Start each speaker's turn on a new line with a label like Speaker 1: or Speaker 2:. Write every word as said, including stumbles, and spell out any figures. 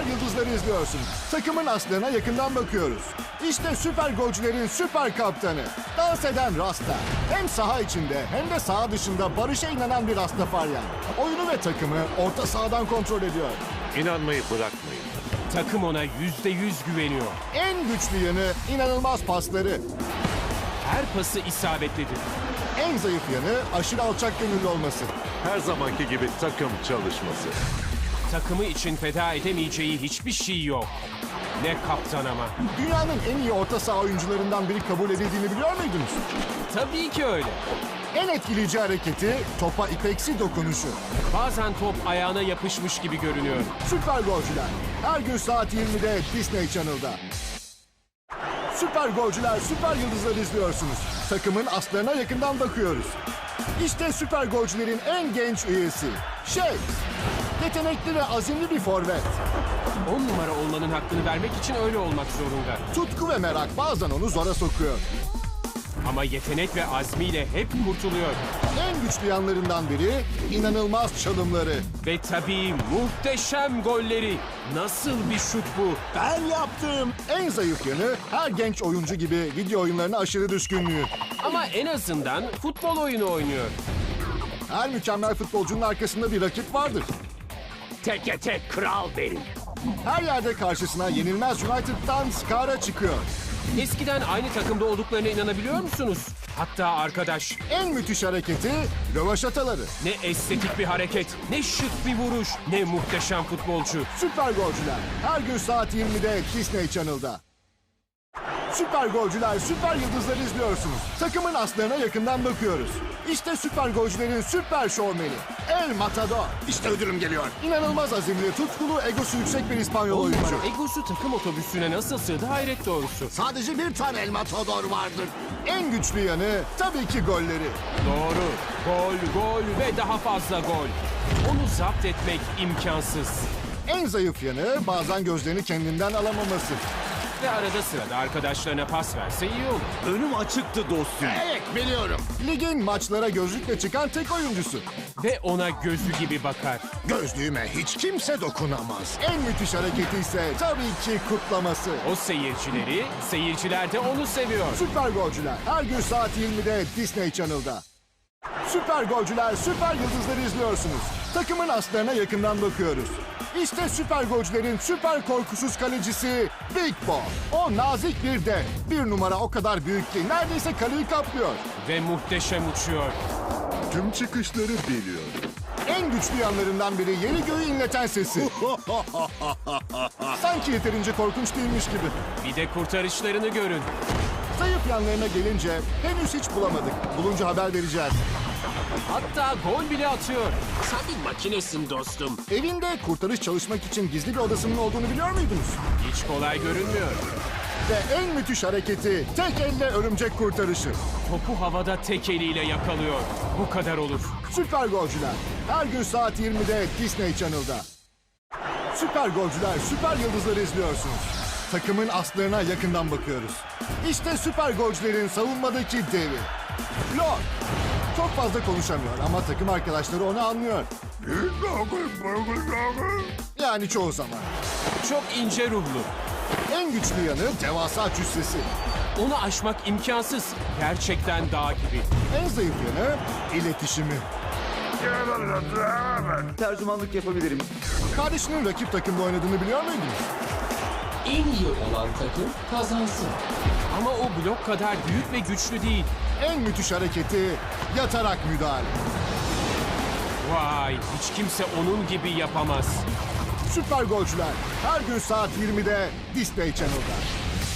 Speaker 1: süper yıldızları izliyorsunuz. Takımın aslarına yakından bakıyoruz. İşte süper golcülerin süper kaptanı. Dans eden Rasta. Hem saha içinde hem de saha dışında barışa inanan bir Rastafaryan. Oyunu ve takımı orta sahadan kontrol ediyor.
Speaker 2: İnanmayı bırakmayın.
Speaker 3: Takım ona yüzde yüz güveniyor.
Speaker 1: En güçlü yanı inanılmaz pasları.
Speaker 3: Her pası isabetlidir.
Speaker 1: En zayıf yanı aşırı alçak gönüllü olması.
Speaker 2: Her zamanki gibi takım çalışması.
Speaker 3: Takımı için feda edemeyeceği hiçbir şey yok. Ne kaptan ama.
Speaker 1: Dünyanın en iyi orta saha oyuncularından biri kabul edildiğini biliyor muydunuz?
Speaker 3: Tabii ki öyle.
Speaker 1: En etkileyici hareketi topa ipeksi dokunuşu.
Speaker 3: Bazen top ayağına yapışmış gibi görünüyor.
Speaker 1: Süper golcüler. Her gün saat yirmide Disney Channel'da. Süper golcüler, süper yıldızları izliyorsunuz. Takımın aslarına yakından bakıyoruz. İşte süper golcülerin en genç üyesi. Şey, yetenekli ve azimli bir forvet.
Speaker 3: On numara olmanın hakkını vermek için öyle olmak zorunda.
Speaker 1: Tutku ve merak bazen onu zora sokuyor.
Speaker 3: Ama yetenek ve azmiyle hep kurtuluyor.
Speaker 1: En güçlü yanlarından biri inanılmaz çalımları.
Speaker 3: Ve tabii muhteşem golleri. Nasıl bir şut bu?
Speaker 1: Ben yaptım. En zayıf yanı her genç oyuncu gibi video oyunlarına aşırı düşkünlüğü.
Speaker 3: Ama en azından futbol oyunu oynuyor.
Speaker 1: Her mükemmel futbolcunun arkasında bir rakip vardır.
Speaker 3: Teke tek kral benim.
Speaker 1: Her yerde karşısına yenilmez United'dan Skara çıkıyor.
Speaker 3: Eskiden aynı takımda olduklarına inanabiliyor musunuz? Hatta arkadaş.
Speaker 1: En müthiş hareketi rövaşataları.
Speaker 3: Ne estetik bir hareket, ne şık bir vuruş, ne muhteşem futbolcu.
Speaker 1: Süper golcüler. Her gün saat yirmide Disney Channel'da. Süper golcüler, süper yıldızları izliyorsunuz. Takımın aslarına yakından bakıyoruz. İşte süper golcülerin süper şovmeni. El Matador. İşte ödülüm geliyor. İnanılmaz azimli, tutkulu, egosu yüksek bir İspanyol
Speaker 3: On
Speaker 1: oyuncu.
Speaker 3: numara egosu takım otobüsüne nasıl sığdı hayret doğrusu.
Speaker 1: Sadece bir tane El Matador vardır. En güçlü yanı tabii ki golleri.
Speaker 3: Doğru. Gol, gol ve daha fazla gol. Onu zapt etmek imkansız.
Speaker 1: En zayıf yanı bazen gözlerini kendinden alamaması.
Speaker 3: Ve arada sırada arkadaşlarına pas verse iyi olur.
Speaker 2: Önüm açıktı dostum.
Speaker 1: Evet biliyorum. Ligin maçlara gözlükle çıkan tek oyuncusu.
Speaker 3: Ve ona gözü gibi bakar.
Speaker 1: Gözlüğüme hiç kimse dokunamaz. En müthiş hareketi ise tabii ki kutlaması.
Speaker 3: O seyircileri, seyirciler de onu seviyor.
Speaker 1: Süper golcüler her gün saat yirmide Disney Channel'da. Süper golcüler, süper yıldızları izliyorsunuz. Takımın aslarına yakından bakıyoruz. İşte süper golcülerin süper korkusuz kalecisi Big Bo. O nazik bir dev. Bir numara o kadar büyük ki neredeyse kaleyi kaplıyor.
Speaker 3: Ve muhteşem uçuyor.
Speaker 1: Tüm çıkışları biliyor. En güçlü yanlarından biri yeri göğü inleten sesi. Sanki yeterince korkunç değilmiş gibi.
Speaker 3: Bir de kurtarışlarını görün.
Speaker 1: Zayıf yanlarına gelince henüz hiç bulamadık. Bulunca haber vereceğiz.
Speaker 3: Hatta gol bile atıyor. Sen bir makinesin dostum.
Speaker 1: Evinde kurtarış çalışmak için gizli bir odasının olduğunu biliyor muydunuz?
Speaker 3: Hiç kolay görünmüyor.
Speaker 1: Ve en müthiş hareketi tek elle örümcek kurtarışı.
Speaker 3: Topu havada tek eliyle yakalıyor. Bu kadar olur.
Speaker 1: Süper golcüler. Her gün saat yirmide Disney Channel'da. Süper golcüler, süper yıldızları izliyorsunuz. Takımın aslarına yakından bakıyoruz. İşte süper golcülerin savunmadaki devi. Lord. Çok fazla konuşamıyor ama takım arkadaşları onu anlıyor. Yani çoğu zaman.
Speaker 3: Çok ince ruhlu.
Speaker 1: En güçlü yanı devasa cüssesi.
Speaker 3: Onu aşmak imkansız. Gerçekten dağ gibi.
Speaker 1: En zayıf yanı iletişimi.
Speaker 4: Tercümanlık yapabilirim.
Speaker 1: Kardeşinin rakip takımda oynadığını biliyor muydunuz?
Speaker 5: En iyi olan takım kazansın.
Speaker 3: Ama o blok kadar büyük ve güçlü değil.
Speaker 1: En müthiş hareketi yatarak müdahale.
Speaker 3: Vay, hiç kimse onun gibi yapamaz.
Speaker 1: Süper golcüler her gün saat yirmide Disney Channel'da.